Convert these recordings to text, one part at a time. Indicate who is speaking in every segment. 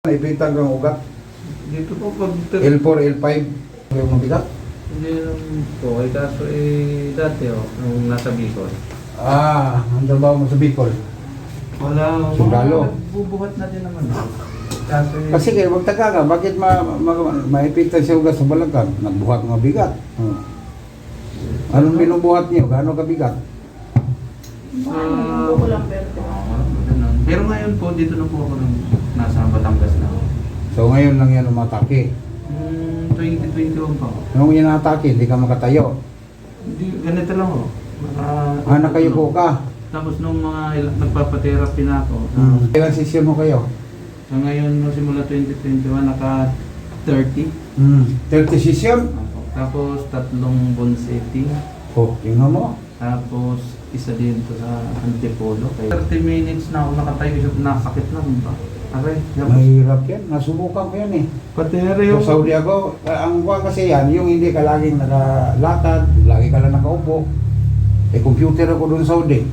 Speaker 1: Naipitan kang ugat.
Speaker 2: Dito po pag...
Speaker 1: L4, L5. Yung mabigat.
Speaker 2: Hindi naman po. Kaso dati nung nasa Bicol.
Speaker 1: Ang trabaho mo sa Bicol.
Speaker 2: Wala.
Speaker 1: Sundalo.
Speaker 2: Bubuhat na din naman. Kaso
Speaker 1: Kasi kayo, magtaka ka, bakit maipitan siya ugat sa balagag? Nagbuhat ng bigat. Anong binubuhat niyo? Gaano kabigat?
Speaker 2: Pero ngayon po, dito na po ako nasa Batangas na.
Speaker 1: So ngayon lang yan umatake.
Speaker 2: 2021 pa ako.
Speaker 1: Nung yan atake, hindi ka makatayo.
Speaker 2: Hindi, ganito lang ako.
Speaker 1: Nakayuko ka.
Speaker 2: Tapos nung nagpapatherapy na ako.
Speaker 1: Ilang session mo kayo?
Speaker 2: So ngayon, simula 2021, naka 30.
Speaker 1: 30 session?
Speaker 2: Tapos 3 bone setting.
Speaker 1: Tingnan mo.
Speaker 2: Tapos isa dito sa Antipolo. 30 minutes na ako nakatayo, nasakit na ba? Aray,
Speaker 1: Mahirap yan. Nasubukan ko yan eh.
Speaker 2: patera
Speaker 1: Sa Saudi ako, ang kuha kasi yan, yung hindi ka laging nakalatad, lagi ka lang nakaupo. Computer ako doon sa Saudi.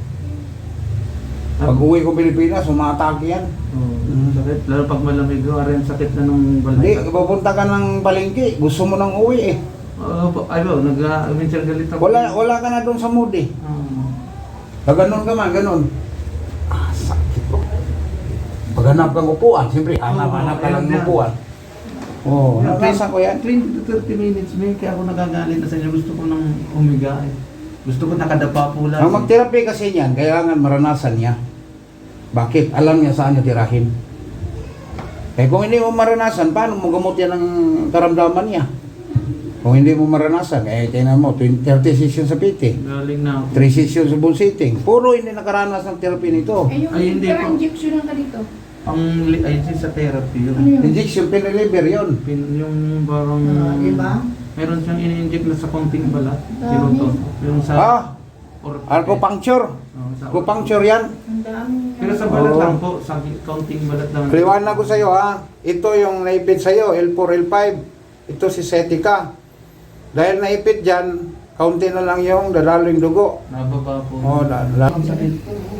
Speaker 1: Pag uwi ko Pilipinas, umatake yan.
Speaker 2: Sakit. Lalo pag malamig, aray, sakit na nung
Speaker 1: Hindi,
Speaker 2: balay.
Speaker 1: pupunta ka ng palengke, gusto mo nang uwi eh.
Speaker 2: Ay ba, minsan galit ako.
Speaker 1: Wala ka na doon sa mood eh. Ganun ka man, ganun. Sakit ko. Paghanap kang upuan, siyempre, hanap ka lang ng upuan. Nabasa ko yan.
Speaker 2: 20 to 30 minutes, may kaya ako nagagalit na sa inyo. Gusto ko nang umiga eh. Gusto ko nakadapa po lang.
Speaker 1: Ang mag-therapy kasi niyan, kailangan maranasan niya. Bakit? Alam niya saan niya tirahin. Kung hindi mo maranasan, paano mo gamot yan ang karamdaman niya? Kung hindi mo maranasan, tingnan mo, 30 sessions sa PT.
Speaker 2: Galing na ako.
Speaker 1: 3 sessions sa bull sitting. Puro hindi nakaranas ng therapy nito.
Speaker 2: Ay, hindi po.
Speaker 3: injection lang ka dito.
Speaker 2: Ay, sa therapy yun.
Speaker 3: Ano yun?
Speaker 1: Injection, pinaliver yun.
Speaker 2: Yung parang...
Speaker 3: Diba?
Speaker 2: Meron siyang ini-inject na sa konting balat.
Speaker 3: Dami.
Speaker 2: Siroton. Yung sa...
Speaker 1: Acupuncture.
Speaker 2: sa
Speaker 1: Acupuncture yan.
Speaker 3: Ang dami.
Speaker 2: Pero sa balat lang po, sa konting balat lang.
Speaker 1: Liwanag ko sa'yo ha. Ito yung naipit sa'yo, L4, L5. Ito si Setica. Dahil naipit dyan, kaunti na lang yung dadalo yung dugo.
Speaker 2: Nababa po.
Speaker 1: Ang
Speaker 2: sakit.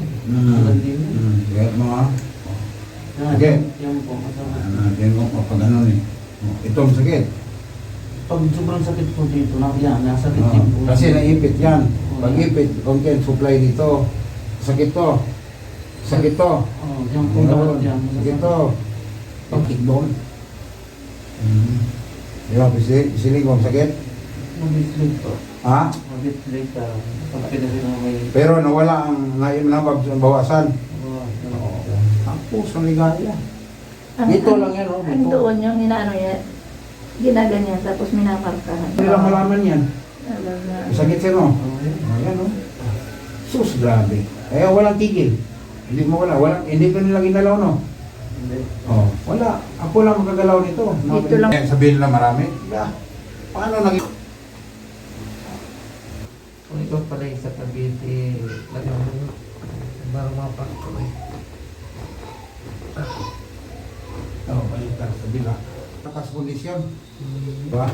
Speaker 1: Get mo ha. Okay.
Speaker 2: Yan po.
Speaker 1: Yan mo, pag ano eh. Ito ang sakit.
Speaker 2: Pag sobrang sakit po dito, nasakit din po.
Speaker 1: Kasi naipit yan. Pag ipit, content supply dito. Sakit to. Sakit to.
Speaker 2: Yan po dapat yan.
Speaker 1: Sakit to. Pag-kickball. Di ba, pisilig mo ang sakit?
Speaker 2: Mabitlig po.
Speaker 1: Ha?
Speaker 2: Mabitlig ka. Pag pinasi na may...
Speaker 1: Pero nawala ang ngayon na bawasan.
Speaker 2: Oo.
Speaker 1: Ang puso ligaya. Dito lang yan, oh.
Speaker 3: Ang doon yung inaano yan. Ginaganyan, tapos minamarkahan.
Speaker 1: Hindi lang malaman yan.
Speaker 3: Alam na.
Speaker 1: Sakit siya, no? Ayan, no? Sus, grabe. Kaya walang tigil. Hindi mo hindi ko nila ginalaw, no?
Speaker 2: Hindi.
Speaker 1: Oh, wala. Ako lang magagalaw nito.
Speaker 3: Dito lang.
Speaker 1: Sabihin na marami. Paano naging...
Speaker 2: Kung ikaw pala yung sa Cavite, lagyan mo parang mapakto eh.
Speaker 1: balik ka sa bila. Takas kondisyon. Diba?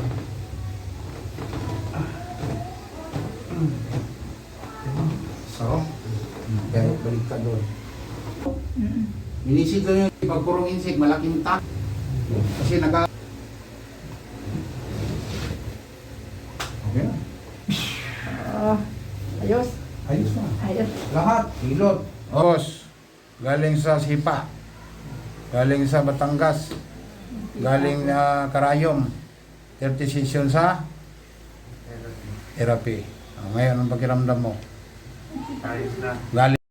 Speaker 1: So, pero balik ka doon. Minisid doon yung pagpurong insik, malaking tak. Kasi Okay na.
Speaker 3: Ayos.
Speaker 1: Ayos na.
Speaker 3: Ayos.
Speaker 1: Lahat, hilot. Os, galing sa Sipa. Galing sa Batangas. Galing na Karayom. 30 session sa therapy. Ngayon, ang pakiramdam mo?
Speaker 2: Ayos na.
Speaker 1: Galing